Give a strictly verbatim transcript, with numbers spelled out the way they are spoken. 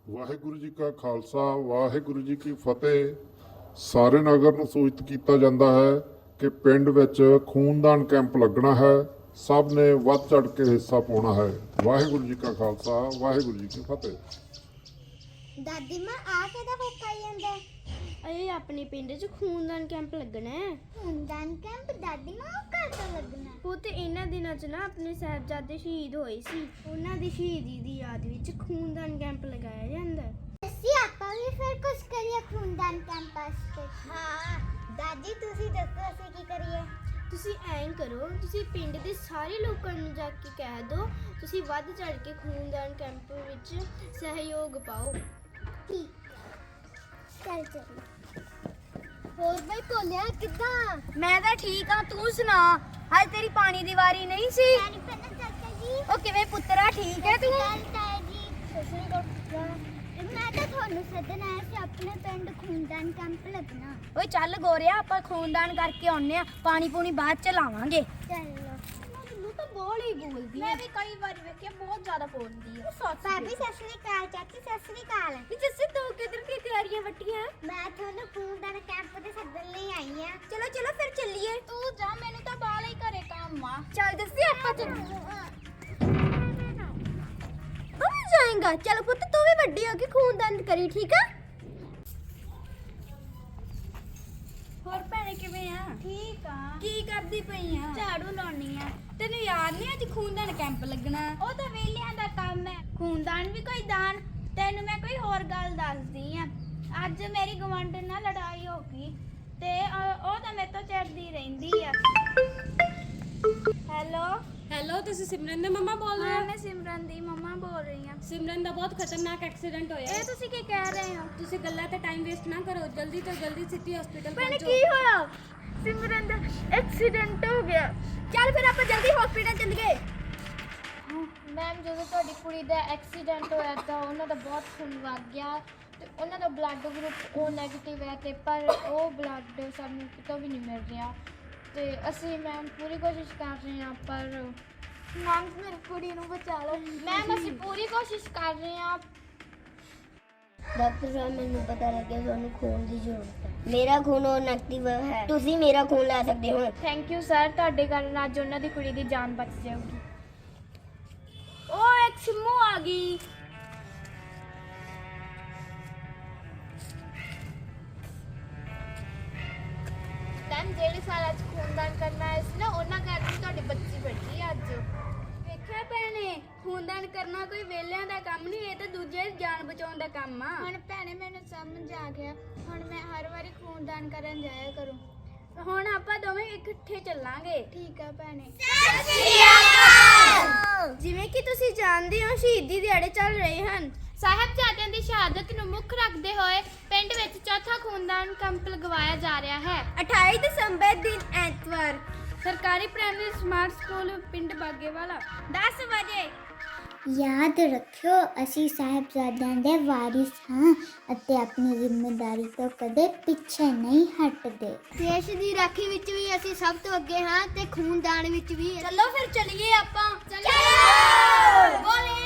ਵਾਹਿਗੁਰੂ ਜੀ ਕਾ ਖਾਲਸਾ ਵਾਹਿਗੁਰੂ ਜੀ ਕੀ ਫਤਿਹ। ਸਾਰੇ ਨਗਰ ਨੂੰ ਸੂਚਿਤ ਕੀਤਾ ਜਾਂਦਾ ਹੈ ਕਿ ਪਿੰਡ ਵਿੱਚ ਖੂਨਦਾਨ ਕੈਂਪ ਲੱਗਣਾ ਹੈ। ਸਭ ਨੇ ਵੱਧ ਚੜ ਕੇ ਹਿੱਸਾ ਪਾਉਣਾ ਹੈ। ਵਾਹਿਗੁਰੂ ਜੀ ਕਾ ਖਾਲਸਾ ਵਾਹਿਗੁਰੂ ਜੀ ਕੀ ਫਤਿਹ। ਦਾਦੀ ਮਾਂ ਆ ਕਿਹਦਾ ਹੋਕਾ ਜਾਂਦਾ? ਇਹ ਆਪਣੇ ਪਿੰਡ 'ਚ ਖੂਨਦਾਨ ਕੈਂਪ ਲੱਗਣਾ ਹੈ। ਖੂਨਦਾਨ ਕੈਂਪ ਦਾਦੀ ਮਾਂ ਉਹ ਘਰ ਤੋਂ ਲੱਗਣਾ? ਪੁੱਤ ਇਹਨਾਂ ਦਿਨਾਂ 'ਚ ਨਾ ਆਪਣੇ ਸਾਹਿਬਜ਼ਾਦੇ ਸ਼ਹੀਦ ਹੋਏ ਸੀ, ਉਹਨਾਂ ਦੀ ਸ਼ਹੀਦੀ ਦੀ ਯਾਦ ਵਿੱਚ ਖੂਨਦਾਨ ਕੈਂਪ ਲਗਾਇਆ ਜਾਂਦਾ ਹੈ। ਅਸੀਂ ਆਪਾਂ ਵੀ ਫਿਰ ਕੁਝ ਕਰੀਏ ਖੂਨਦਾਨ ਕੈਂਪ ਵਾਸਤੇ। ਹਾਂ ਦਾਦੀ ਤੁਸੀਂ ਦੱਸੋ ਅਸੀਂ ਕੀ ਕਰੀਏ? ਤੁਸੀਂ ਐਂ ਕਰੋ, ਤੁਸੀਂ ਪਿੰਡ ਦੇ ਸਾਰੇ ਲੋਕਾਂ ਨੂੰ ਜਾ ਕੇ ਕਹਿ ਦਿਓ ਤੁਸੀਂ ਵੱਧ ਚੜ ਕੇ ਖੂਨਦਾਨ ਕੈਂਪ ਵਿੱਚ ਸਹਿਯੋਗ ਪਾਓ। ਠੀਕ ਚੱਲ ਚੱਲ। ਹੋਰ ਬਈ ਭੋਲਿਆ ਕਿੱਦਾਂ? ਮੈਂ ਤਾਂ ਠੀਕ ਆ, ਤੂੰ ਸੁਣਾ? ਹਾਏ ਤੇਰੀ ਪਾਣੀ ਦੀ ਵਾਰੀ ਨਹੀਂ ਸੀ? ਪਾਣੀ ਪੈਣਾ ਚਾਚਾ ਜੀ। ਉਹ ਕਿਵੇਂ ਪੁੱਤਰਾ, ਠੀਕ ਹੈ ਤੂੰ? ਗੱਲ ਤਾਇਆ ਜੀ ਸਸਰੀ ਕੋਲ ਮੈਂ ਤਾਂ ਤੁਹਾਨੂੰ ਸੱਦਣ ਆਇਆ ਸੀ, ਆਪਣੇ ਪਿੰਡ ਖੂਨਦਾਨ ਕੈਂਪ ਲੱਗਣਾ। ਓਏ ਚੱਲ ਗੋਰਿਆ, ਆਪਾਂ ਖੂਨਦਾਨ ਕਰਕੇ ਆਉਨੇ ਆ, ਪਾਣੀ ਪੂਣੀ ਬਾਅਦ ਚ ਲਾਵਾਂਗੇ। ਚੱਲ ਮੈਨੂੰ ਤਾਂ ਬਹੁਤ ਹੀ ਬੋਲਦੀ ਮੈਂ ਵੀ ਕਈ ਵਾਰ ਵੇਖਿਆ, ਬਹੁਤ ਜ਼ਿਆਦਾ ਬੋਲਦੀ ਹੈ। ਭਾਬੀ ਸਸਰੀ ਕਾਲ, ਚਾਚੀ ਸਸਰੀ ਕਾਲ। ਜੱਸੇ ਤੂੰ ਕਿੱਧਰ ਕੀ ਤਿਆਰੀਆਂ ਵੱਟੀਆਂ? ਮੈਂ ਤੁਹਾਨੂੰ ਖੂਨਦਾਨ ਕੈਂਪ ਦੇ ਸੱਦਣ ਲਈ ਆਈ ਆ। ਚਲੋ ਚਲੋ ਫਿਰ ਚੱਲੀਏ। ਤੂੰ ਜਾ, ਮੈਨੂੰ ਤਾਂ ਬਾਹਰ ਹੀ ਘਰੇ ਕੰਮ ਆ। ਚੱਲ ਦੱਸੀ ਆਪਾਂ ਚੱਲ। ਤੂੰ ਵੀ ਜਾਏਂਗਾ? ਚੱਲ ਪੁੱਤ, ਤੂੰ ਵੀ ਵੱਡੀ ਹੋ ਕੇ ਖੂਨਦਾਨ ਕਰੀ, ਠੀਕ ਆ? ਹੋਰ ਭੈਣੇ ਕਿਵੇਂ ਆ? ਠੀਕ ਆ। ਕੀ ਕਰਦੀ ਪਈ ਆ? ਝਾੜੂ ਲਾਉਣੀ ਆ। ਤੈਨੂੰ ਯਾਦ ਨਹੀਂ ਅੱਜ ਖੂਨਦਾਨ ਕੈਂਪ ਲੱਗਣਾ? ਉਹ ਤਾਂ ਵੇਲਿਆਂ ਦਾ ਕੰਮ ਹੈ, ਖੂਨਦਾਨ ਵੀ ਕੋਈ ਦਾਨ। ਤੈਨੂੰ ਮੈਂ ਕੋਈ ਹੋਰ ਗੱਲ ਦੱਸਦੀ ਆ। ਅੱਜ ਮੇਰੀ ਗਵਾਂਢਣ ਨਾਲ ਲੜਾਈ ਹੋ ਗਈ ਤੇ ਅ, ਉਹ ਤਾਂ ਮੇਰੇ ਤੋਂ ਚਿੜਦੀ ਰਹਿੰਦੀ ਆ। ਹੈਲੋ ਹੈਲੋ, ਤੁਸੀਂ ਸਿਮਰਨ ਦੇ ਮੰਮਾ ਬੋਲ ਰਹੇ ਹਾਂ, ਹੋ? ਮੈਂ ਸਿਮਰਨ ਦੀ ਮੰਮਾ ਬੋਲ ਰਹੀ ਆ। ਸਿਮਰਨ ਦਾ ਬਹੁਤ ਖਤਰਨਾਕ ਐਕਸੀਡੈਂਟ ਹੋਇਆ ਇਹ ਹੈ। ਤੁਸੀਂ ਕੀ ਕਹਿ ਰਹੇ ਹੋ? ਤੁਸੀਂ ਗੱਲਾਂ ਤੇ ਟਾਈਮ ਵੇਸਟ ਨਾ ਕਰੋ, ਜਲਦੀ ਤੋਂ ਜਲਦੀ ਸਿਟੀ ਹਸਪੀਟਲ ਭੈਣੇ ਪਹੁੰਚੋ। ਕੀ ਹੋਇਆ? ਸਿਮਰਨ ਦਾ ਐਕਸੀਡੈਂਟ ਹੋ ਗਿਆ। ਚੱਲ ਫਿਰ ਆਪਾਂ ਜਲਦੀ ਹਸਪੀਟਲ ਚੱਲੀਏ। ਮੈਮ ਜਦੋਂ ਤੁਹਾਡੀ ਕੁੜੀ ਦਾ ਐਕਸੀਡੈਂਟ ਹੋਇਆ ਤਾਂ ਉਹਨਾਂ ਦਾ ਬਹੁਤ ਖੂਨ ਵਗ ਗਿਆ ਤੇ ਉਹਨਾਂ ਦਾ ਬਲੱਡ ਗਰੁੱਪ ਉਹ ਨੈਗੇਟਿਵ ਹੈ ਤੇ ਪਰ ਉਹ ਬਲੱਡ ਸਾਨੂੰ ਕਿਤੋਂ ਵੀ ਨਹੀਂ ਮਿਲ ਰਿਹਾ ਤੇ ਅਸੀਂ ਮੈਮ ਪੂਰੀ ਕੋਸ਼ਿਸ਼ ਕਰ ਰਹੇ ਹਾਂ ਪਰ ਮੈਮ ਮੇਰੀ ਕੁੜੀ ਨੂੰ ਬਚਾ ਲਓ। ਮੈਮ ਅਸੀਂ ਪੂਰੀ ਕੋਸ਼ਿਸ਼ ਕਰ ਰਹੇ ਹਾਂ। ਡਾਕਟਰ ਸਾਹਿਬ ਮੈਨੂੰ ਪਤਾ ਲੱਗਿਆ ਤੁਹਾਨੂੰ ਖੂਨ ਦੀ ਜ਼ਰੂਰਤ ਹੈ। ਮੇਰਾ ਖੂਨ ਉਹ ਨੈਗੇਟਿਵ ਹੈ, ਤੁਸੀਂ ਮੇਰਾ ਖੂਨ ਲੈ ਸਕਦੇ ਹੋ। ਥੈਂਕ ਯੂ ਸਰ, ਤੁਹਾਡੇ ਕਾਰਨ ਅੱਜ ਉਹਨਾਂ ਦੀ ਕੁੜੀ ਦੀ ਜਾਨ ਬਚ ਜਾਊਗੀ। ਉਹ ਇੱਕ ਸਿੰਮੂ ਆ ਗਈ। ਮੈਮ ਜਿਹੜੇ ਸਾਲ ਅੱਜ ਖੂਨਦਾਨ ਕਰਨਾ ਆਏ ਸੀ ਨਾ ਉਹਨਾਂ ਕਰਕੇ ਤੁਹਾਡੀ ਬੱਚੀ ਬੈਠੀ ਅੱਜ। ਵੇਖਿਆ ਭੈਣੇ, ਖੂਨਦਾਨ ਕਰਨਾ ਕੋਈ ਵੇਲਿਆਂ ਦਾ ਕੰਮ ਨਹੀਂ, ਇਹ ਤਾਂ ਦੂਜੇ ਦੀ ਜਾਨ ਬਚਾਉਣ ਦਾ ਕੰਮ ਆ। ਹੁਣ ਭੈਣੇ ਮੈਨੂੰ ਸਮਝ ਆ ਗਿਆ, ਹੁਣ ਮੈਂ ਹਰ ਵਾਰੀ ਖੂਨਦਾਨ ਕਰਨ ਜਾਇਆ ਕਰੂੰ। ਹੁਣ ਆਪਾਂ ਦੋਵੇਂ ਇਕੱਠੇ ਚੱਲਾਂਗੇ। ਠੀਕ ਆ ਭੈਣੇ। ਜਿਵੇਂ ਕਿ ਤੁਸੀਂ ਜਾਣਦੇ ਹੋ, ਸ਼ਹੀਦੀ ਦਿਹਾੜੇ ਚੱਲ ਰਹੇ ਹਨ। ਸਾਹਿਬਜ਼ਾਦਿਆਂ ਦੀ ਸ਼ਹਾਦਤ ਨੂੰ ਮੁੱਖ ਰੱਖਦੇ ਹੋਏ ਪਿੰਡ ਵਿੱਚ ਚੌਥਾ ਖੂਨਦਾਨ ਕੈਂਪ ਲਗਵਾਇਆ ਜਾ ਰਿਹਾ ਹੈ। ਅਠਾਈ ਦਸੰਬਰ ਦਿਨ ਐਤਵਾਰ, ਸਰਕਾਰੀ ਪ੍ਰਾਇਮਰੀ ਸਮਾਰਟ ਸਕੂਲ ਪਿੰਡ ਬਾਗੇਵਾਲਾ, ਦਸ ਵਜੇ। ਯਾਦ ਰੱਖਿਓ ਅਸੀਂ ਸਾਹਿਬਜ਼ਾਦਿਆਂ ਦੇ ਵਾਰਿਸ ਹਾਂ ਅਤੇ ਆਪਣੀ ਜ਼ਿੰਮੇਵਾਰੀ ਤੋਂ ਕਦੇ ਪਿੱਛੇ ਨਹੀਂ ਹਟਦੇ। ਦੇਸ਼ ਦੀ ਰਾਖੀ ਵਿੱਚ ਵੀ ਅਸੀਂ ਸਭ ਤੋਂ ਅੱਗੇ ਹਾਂ ਤੇ ਖੂਨਦਾਨ ਵਿੱਚ ਵੀ। ਚਲੋ ਫਿਰ ਚੱਲੀਏ ਆਪਾਂ। ਚਲੋ ਬੋਲੇ